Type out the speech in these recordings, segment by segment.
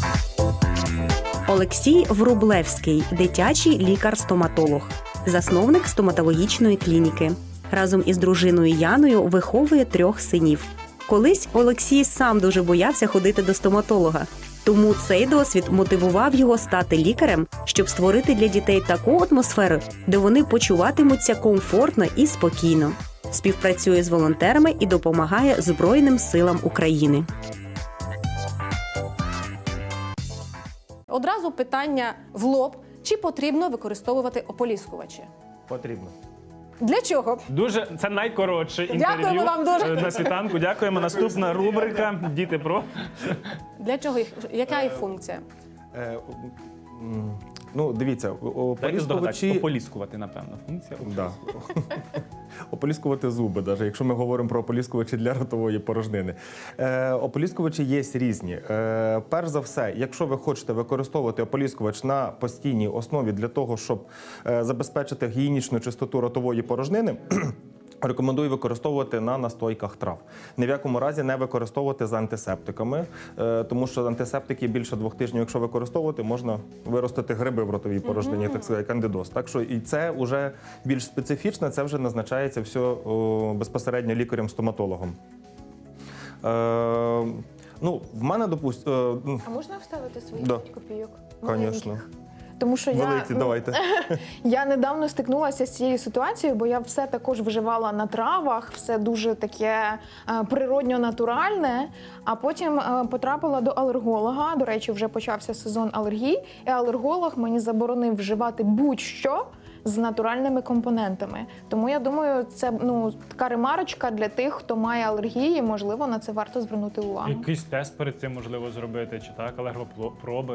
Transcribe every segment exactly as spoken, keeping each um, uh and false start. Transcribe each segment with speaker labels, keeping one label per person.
Speaker 1: Олексій Врублевський – дитячий лікар-стоматолог, засновник стоматологічної клініки. Разом із дружиною Яною виховує трьох синів. Колись Олексій сам дуже боявся ходити до стоматолога. Тому цей досвід мотивував його стати лікарем, щоб створити для дітей таку атмосферу, де вони почуватимуться комфортно і спокійно. Співпрацює з волонтерами і допомагає Збройним силам України.
Speaker 2: Одразу питання в лоб. Чи потрібно використовувати ополіскувачі?
Speaker 3: Потрібно.
Speaker 2: Для чого?
Speaker 4: Дуже, це найкоротше інтерв'ю
Speaker 2: Дякуємо вам дуже.
Speaker 4: на світанку. Дякуємо. Наступна рубрика «Діти про».
Speaker 2: Для чого їх? Яка їх функція?
Speaker 3: Е, м, ну, дивіться, о-
Speaker 4: Дайте здогадати,
Speaker 3: ополіскувачі...
Speaker 4: ополіскувати, напевно, функція.
Speaker 3: Да. Ополіскувати зуби, навіть якщо ми говоримо про ополіскувачі для ротової порожнини. Е, ополіскувачі є різні. Е, перш за все, якщо ви хочете використовувати ополіскувач на постійній основі для того, щоб е, забезпечити гігієнічну чистоту ротової порожнини, рекомендую використовувати на настойках трав. Ні в якому разі не використовувати з антисептиками, е, тому що антисептики більше двох тижнів, якщо використовувати, можна виростити гриби в ротовій порожнині, так сказати, кандидоз. Так що і це вже більш специфічно, це вже назначається все о, безпосередньо лікарем-стоматологом. Е, ну, в мене, допустимо...
Speaker 5: А можна вставити своїх
Speaker 3: Да.
Speaker 5: п'ять копійок?
Speaker 3: Звісно.
Speaker 5: Тому що я,
Speaker 3: Великі,
Speaker 5: ну,
Speaker 3: давайте.
Speaker 5: я недавно стикнулася з цією ситуацією, бо я все також вживала на травах, все дуже таке е, природньо-натуральне, а потім е, потрапила до алерголога. До речі, вже почався сезон алергій, і алерголог мені заборонив вживати будь-що з натуральними компонентами. Тому я думаю, це ну, така ремарочка для тих, хто має алергії, можливо, на це варто звернути увагу.
Speaker 4: Якийсь тест перед цим можливо зробити, чи так, алергопроби.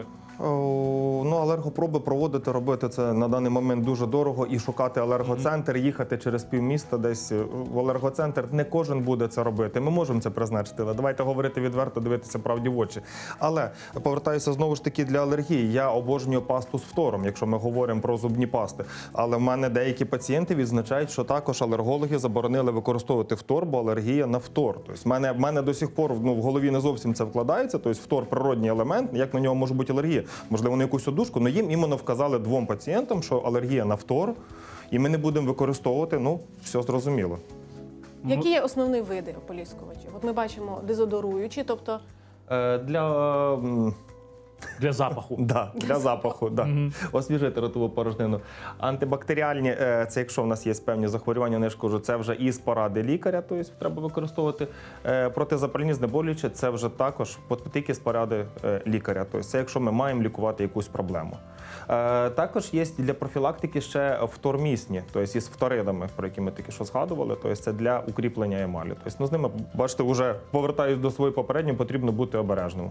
Speaker 3: О, ну, алергопроби проводити, робити це на даний момент дуже дорого і шукати алергоцентр, їхати через півміста десь в алергоцентр. Не кожен буде це робити. Ми можемо це призначити, але давайте говорити відверто, дивитися правді в очі. Але повертаюся знову ж таки для алергії. Я обожнюю пасту з фтором, якщо ми говоримо про зубні пасти. Але в мене деякі пацієнти відзначають, що також алергологи заборонили використовувати фтор, бо алергія на фтор. Тобто в мене, в мене до сих пор ну, в голові не зовсім це вкладається. Тобто фтор – природній елемент, як на нього може бути алергія? Можливо, на якусь одушку, але їм іменно вказали двом пацієнтам, що алергія на фтор, і ми не будемо використовувати, ну, все зрозуміло.
Speaker 2: Які є основні види ополіскувачів? От ми бачимо дезодоруючі, тобто
Speaker 3: Е, для... м,
Speaker 4: Для запаху.
Speaker 3: Да, для запаху, да. Освіжити ротову порожнину. Антибактеріальні, е, це якщо в нас є певні захворювання, не ж кажу, це вже із поради лікаря, тобто треба використовувати. Е, Протизапальні знеболюючі, це вже також тільки з поради е, лікаря. Тобто це якщо ми маємо лікувати якусь проблему. Е, Також є для профілактики ще втормісні, тобто із фторидами, про які ми тільки що згадували, тобто це для укріплення емалі. Тобто ну, з ними, бачите, вже повертаюсь до своєї попередньої, потрібно бути обережним.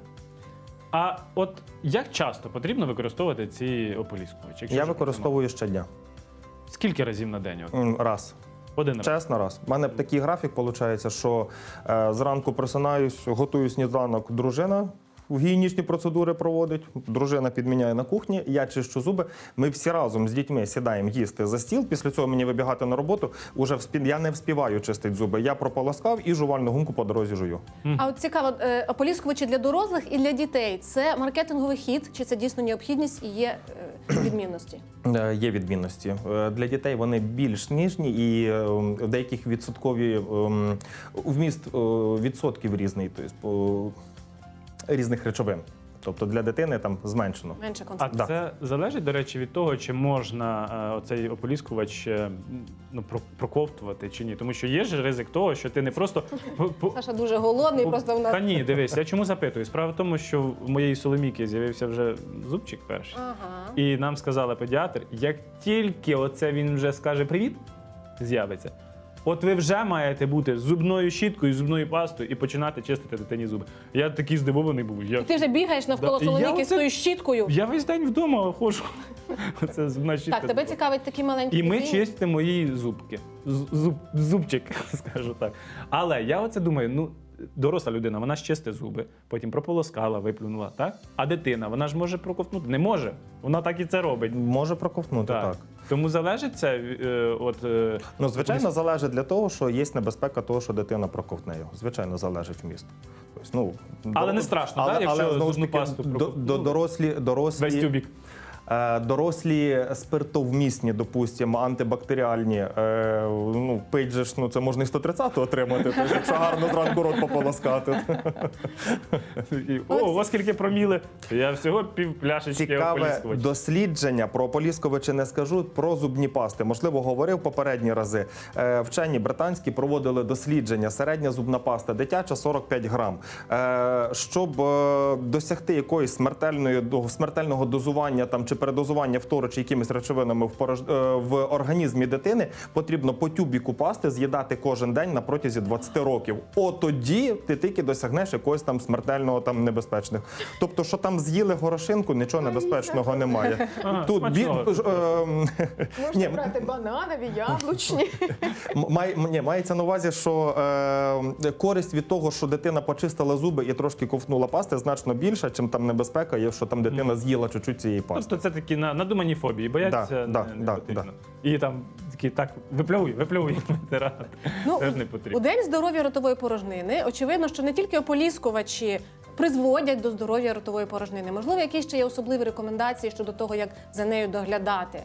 Speaker 4: А от як часто потрібно використовувати ці ополіскувачі? Якщо
Speaker 3: Я
Speaker 4: вже
Speaker 3: використовую щодня.
Speaker 4: потрібно? Скільки разів на день? От?
Speaker 3: М, Раз.
Speaker 4: Один раз.
Speaker 3: Чесно, раз. У мене такий графік виходить, що е, зранку просинаюсь, готую сніданок, дружина в гігієнічні процедури проводить, дружина підміняє на кухні, я чищу зуби. Ми всі разом з дітьми сідаємо їсти за стіл, після цього мені вибігати на роботу, уже вспі... я не вспіваю чистити зуби. Я прополоскав і жувальну гумку по дорозі жую.
Speaker 2: А от цікаво, е, ополіскувачі для дорослих і для дітей – це маркетинговий хід, чи це дійсно необхідність і є е, відмінності?
Speaker 3: Е, Є відмінності. Е, Для дітей вони більш ніжні і е, в деяких відсоткові е, вміст е, відсотків різний, тобто різних речовин. Тобто для дитини там зменшено.
Speaker 2: Менше
Speaker 4: А
Speaker 2: концентрації.
Speaker 4: це залежить, до речі, від того, чи можна е, оцей ополіскувач е, ну, про- проковтувати чи ні. Тому що є ж ризик того, що ти не просто... по- по-
Speaker 2: Саша дуже голодний, просто в нас...
Speaker 4: Та ні, дивись, я чому запитую? Справа в тому, що в моєї Соломіки з'явився вже зубчик перший.
Speaker 2: Ага.
Speaker 4: І нам сказала педіатр, як тільки оце він вже скаже «привіт», з'явиться, от ви вже маєте бути з зубною щіткою, з зубною пастою і починати чистити дитині зуби. Я такий здивований був. Я,
Speaker 2: І ти вже бігаєш навколо
Speaker 4: Да, я
Speaker 2: Соломіки з
Speaker 4: оце-
Speaker 2: тою щіткою.
Speaker 4: я весь день вдома ходжу. Оце зубна щітка.
Speaker 2: Так, тебе цікавить такі маленькі
Speaker 4: І ми
Speaker 2: дитині?
Speaker 4: чистимо мої зубки. З- Зуб, зубчик, скажу так. Але я оце думаю, ну доросла людина, вона ж чисте зуби, потім прополоскала, виплюнула, так? А дитина, вона ж може проковтнути? Не може. Вона так і це робить.
Speaker 3: Може проковтнути, так.
Speaker 4: Так. Тому залежить це е, от... Е,
Speaker 3: Ну, звичайно, залежить для того, що є небезпека того, що дитина проковтне його. Звичайно, залежить вміст. Тобто, ну,
Speaker 4: Але
Speaker 3: до-
Speaker 4: не страшно,
Speaker 3: але,
Speaker 4: так, якщо
Speaker 3: але, знову ж
Speaker 4: зубну
Speaker 3: таки,
Speaker 4: пасту
Speaker 3: до,
Speaker 4: проковтнули?
Speaker 3: до, дорослі,
Speaker 4: весь
Speaker 3: дорослі,
Speaker 4: тюбік.
Speaker 3: е, дорослі спиртовмісні, допустимо, антибактеріальні, е, ну, пить же ж, ну, це можна і сто тридцять отримати, тобто, якщо гарно зранку рот пополоскати.
Speaker 4: І, О, у вас скільки проміли? Я всього пів пляшечки
Speaker 3: Цікаве
Speaker 4: ополіскувача.
Speaker 3: дослідження про ополіскувачі не скажу, про зубні пасти. Можливо, говорив попередні рази. Е, Вчені британські проводили дослідження. Середня зубна паста дитяча сорок п'ять грам. Е, Щоб е, досягти якоїсь смертельної до- смертельного дозування там чи передозування фтору чи якимись речовинами в порож... е, в організмі дитини, потрібно по тюбіку пасти з'їдати кожен день на протязі двадцяти років. От тоді ти тільки досягнеш якогось там смертельного там небезпечних. Тобто, що там з'їли горошинку, нічого небезпечного немає.
Speaker 4: Ага,
Speaker 3: Тут бі...
Speaker 4: смачного.
Speaker 3: ж, ем,
Speaker 5: Можна
Speaker 3: ні,
Speaker 5: брати бананові, яблучні.
Speaker 3: м- май... ні, мається на увазі, що е... користь від того, що дитина почистила зуби і трошки ковтнула пасти, значно більша, чим там небезпека є, що там дитина з'їла чуть-чуть цієї пасти.
Speaker 4: Тобто це такі на- надумані фобії, бояться
Speaker 3: Да,
Speaker 4: не,
Speaker 3: да,
Speaker 4: не
Speaker 3: да,
Speaker 4: потрібно.
Speaker 3: да.
Speaker 4: І там такі, так, виплюй, виплюй, витирати.
Speaker 2: Ну,
Speaker 4: Теж не
Speaker 2: у
Speaker 4: потрібно.
Speaker 2: День здоров'я ротової порожнини очевидно, що не тільки ополіскувачі призводять до здоров'я ротової порожнини. Можливо, якісь ще є особливі рекомендації щодо того, як за нею доглядати.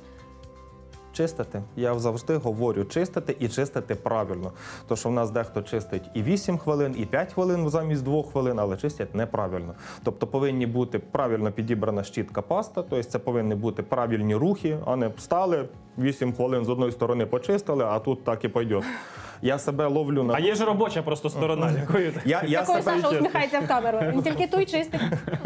Speaker 3: Чистити. Я завжди говорю чистити і чистити правильно. То, що в нас дехто чистить і вісім хвилин, і п'ять хвилин замість двох хвилин, але чистять неправильно. Тобто повинні бути правильно підібрана щітка паста, тобто це повинні бути правильні рухи, а не встали, вісім хвилин з одної сторони почистили, а тут так і пойде. Я себе ловлю на...
Speaker 4: А є ж робоча просто сторона, якою
Speaker 3: Я, я
Speaker 2: Такою
Speaker 3: себе...
Speaker 2: Саша усміхається в камеру. Він тільки той чистить.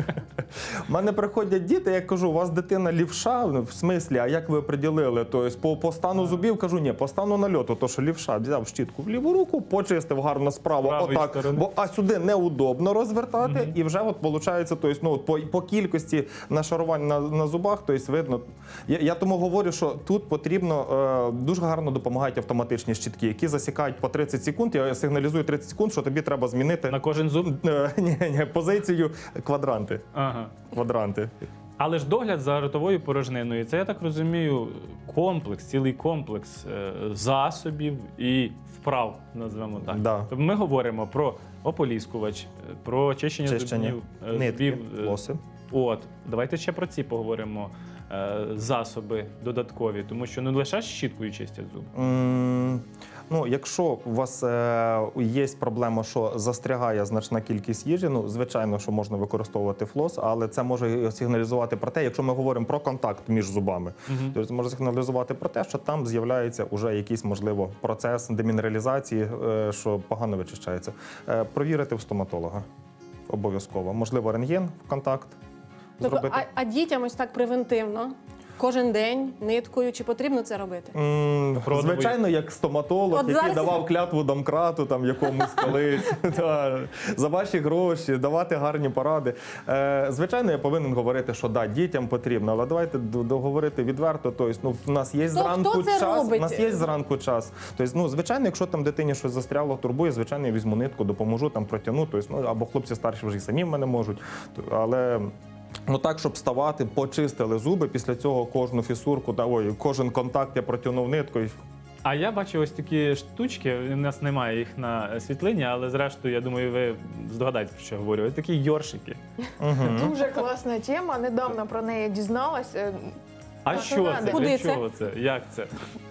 Speaker 3: У мене приходять діти, я кажу, у вас дитина лівша, в смислі, а як ви приділили? Тобто по, по стану зубів, кажу, ні, по стану нальоту, то що лівша, взяв щітку в ліву руку, почистив гарно справа,
Speaker 4: Правої
Speaker 3: отак,
Speaker 4: сторони.
Speaker 3: бо, а сюди неудобно розвертати, mm-hmm. і вже от виходить, тобто, ну, от по, по кількості нашарувань на, на зубах, тобто видно. Я, я тому говорю, що тут потрібно, е, дуже гарно допомагають автоматичні щітки, які засікають по тридцять секунд, я сигналізую тридцять секунд, що тобі треба змінити
Speaker 4: на кожен зуб?
Speaker 3: е, ні, ні, позицію квадранти.
Speaker 4: Ага.
Speaker 3: Квадранти.
Speaker 4: Але ж догляд за ротовою порожниною, це, я так розумію, комплекс, цілий комплекс е, засобів і вправ, назвемо так.
Speaker 3: Да.
Speaker 4: Тобто ми говоримо про ополіскувач, е, про очищення
Speaker 3: Чищення,
Speaker 4: зубів, е,
Speaker 3: нитки,
Speaker 4: зубів, е,
Speaker 3: флоси.
Speaker 4: От, давайте ще про ці поговоримо. е, Засоби додаткові, тому що не лише щіткою чистять зуби.
Speaker 3: М, Ну, якщо у вас е, є проблема, що застрягає значна кількість їжі, ну, звичайно, що можна використовувати флос, але це може сигналізувати про те, якщо ми говоримо про контакт між зубами,
Speaker 4: Мгм.
Speaker 3: то це може сигналізувати про те, що там з'являється вже якийсь, можливо, процес демінералізації, е, що погано вичищається. Е, Провірити в стоматолога обов'язково. Можливо, рентген в контакт
Speaker 2: Тобто,
Speaker 3: зробити.
Speaker 2: а, а дітям ось так превентивно, кожен день, ниткою, чи потрібно це робити?
Speaker 3: М,
Speaker 4: Продовий.
Speaker 3: Звичайно, як стоматолог,
Speaker 2: От
Speaker 3: який
Speaker 2: зараз-
Speaker 3: давав клятву домкрату там якомусь колись та, за ваші гроші, давати гарні поради. Е, Звичайно, я повинен говорити, що да, дітям потрібно, але давайте д- договорити відверто. Тобто, ну, в нас є
Speaker 2: Хто-
Speaker 3: зранку
Speaker 2: хто це
Speaker 3: час.
Speaker 2: робить?
Speaker 3: У нас є зранку час. Тобто, ну, звичайно, якщо там дитині щось застряло, турбує, звичайно, я візьму нитку, допоможу там протягну. Тобто, ну, або хлопці старші вже і самі в мене можуть. Але. Ну так, щоб вставати, почистили зуби, після цього кожну фісурку, та, ой, кожен контакт я протягнув ниткою.
Speaker 4: А я бачу ось такі штучки, у нас немає їх на світлині, але зрештою, я думаю, ви здогадаєтесь, про що говорю. Ось такі йоршики.
Speaker 5: Дуже класна тема. Недавно про неї дізналась. Е,
Speaker 4: А
Speaker 5: Так,
Speaker 4: що
Speaker 5: надо.
Speaker 4: це?
Speaker 2: Куди
Speaker 4: Для
Speaker 2: це?
Speaker 4: чого це? Як це?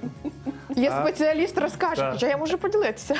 Speaker 5: Є
Speaker 3: А?
Speaker 5: спеціаліст, розкаже,
Speaker 4: Так.
Speaker 5: хоча я можу поділитися.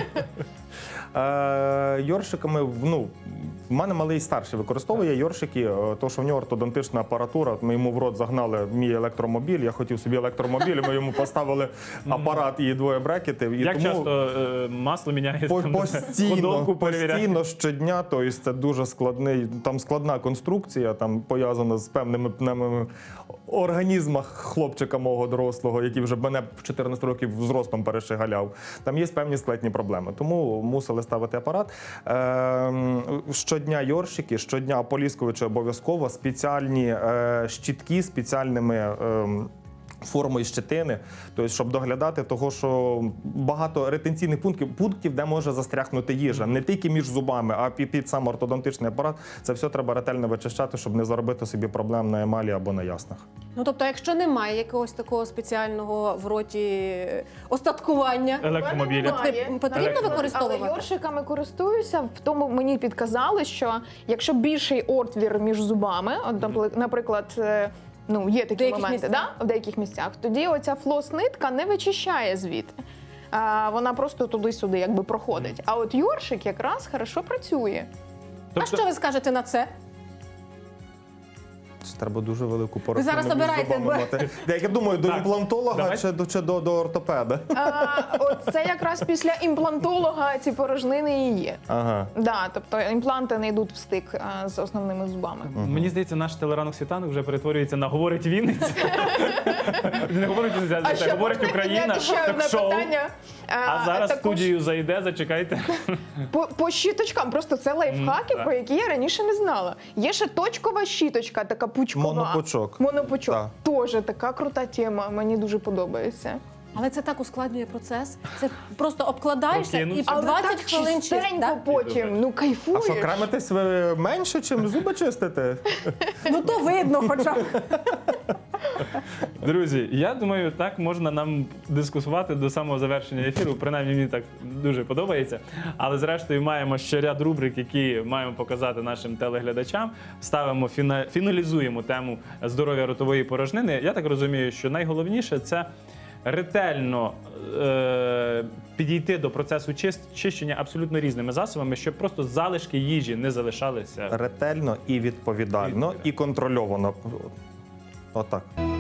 Speaker 3: Е, Йоршиками, ну, в мене малий старший використовує йоршики, е, то що в нього ортодонтична апаратура. От ми йому в рот загнали мій електромобіль. Я хотів собі електромобіль, ми йому поставили апарат і двоє брекетів. І
Speaker 4: Як
Speaker 3: тому
Speaker 4: часто е, масло міняється?
Speaker 3: по-
Speaker 4: там,
Speaker 3: постійно,
Speaker 4: ходовку перевіряє?
Speaker 3: постійно щодня, тобто це дуже складний, там складна конструкція, там пов'язана з певними пневмами організмах хлопчика мого дорослого, який вже мене в чотирнадцять років зростом перешигаляв. Там є певні складні проблеми, тому мусили ставити апарат. Е, щодня йоршики, щодня ополіскувачі обов'язково, спеціальні е, щітки з спеціальними е, формою щетини, тобто, щоб доглядати того, що багато ретенційних пунктів, пунктів, де може застрягнути їжа, не тільки між зубами, а під, під сам ортодонтичний апарат. Це все треба ретельно вичищати, щоб не заробити собі проблем на емалі або на яснах.
Speaker 2: Ну тобто, якщо немає якогось такого спеціального в роті остаткування,
Speaker 4: Електромобіля.
Speaker 5: Немає.
Speaker 2: потрібно
Speaker 5: Але
Speaker 2: використовувати?
Speaker 5: йоршиками користуюся, в тому мені підказали, що якщо більший отвір між зубами, от, напли- наприклад, е, ну, є такі
Speaker 2: деяких
Speaker 5: моменти,
Speaker 2: місцях.
Speaker 5: да? в деяких місцях, тоді оця флос-нитка не вичищає звідти. А, вона просто туди-сюди якби проходить. А от йоршик якраз хорошо працює.
Speaker 2: А що ви скажете на це?
Speaker 3: Це треба дуже велику порожнину
Speaker 2: зараз
Speaker 3: між
Speaker 2: обираєте,
Speaker 3: зубами
Speaker 2: бо-
Speaker 3: мати. Я як думаю, до
Speaker 4: Так,
Speaker 3: імплантолога
Speaker 4: давай.
Speaker 3: чи, до, чи до, до ортопеда?
Speaker 5: А, от це якраз після імплантолога ці порожнини і є.
Speaker 3: Ага.
Speaker 5: Да, тобто імпланти не йдуть в стик а, з основними зубами.
Speaker 4: Мені здається, наш телеранок світанок вже перетворюється на «Говорить Вінниця». Не говорить Вінниця, а
Speaker 5: ще
Speaker 4: говорить
Speaker 5: можна
Speaker 4: Україна.
Speaker 5: підняти ще
Speaker 4: Так
Speaker 5: одне
Speaker 4: шоу.
Speaker 5: питання?
Speaker 4: А зараз в
Speaker 5: також
Speaker 4: студію зайде, зачекайте.
Speaker 5: По, по щіточкам, просто це лайфхаки,
Speaker 4: М,
Speaker 5: про які я раніше не знала. Є ще точкова щіточка, така пучкова.
Speaker 3: Монопучок.
Speaker 5: Монопучок.
Speaker 3: Так.
Speaker 5: Тоже така крута тема, мені дуже подобається.
Speaker 2: Але це так ускладнює процес. Це просто обкладаєшся і
Speaker 4: Прокинувся.
Speaker 5: Але
Speaker 2: двадцять
Speaker 5: так
Speaker 2: хвилин чист,
Speaker 5: чистенько
Speaker 2: да?
Speaker 5: потім, ну
Speaker 3: А
Speaker 5: кайфуєш.
Speaker 3: що, кремитесь ви менше, чим зуби чистите?
Speaker 2: Ну то видно хоча б.
Speaker 4: Друзі, я думаю, так можна нам дискусувати до самого завершення ефіру. Принаймні, мені так дуже подобається. Але зрештою маємо ще ряд рубрик, які маємо показати нашим телеглядачам. Ставимо, фіна- фіналізуємо тему здоров'я ротової порожнини. Я так розумію, що найголовніше це ретельно е- підійти до процесу чис- чищення абсолютно різними засобами, щоб просто залишки їжі не залишалися.
Speaker 3: Ретельно і відповідально, і контрольовано. Отак.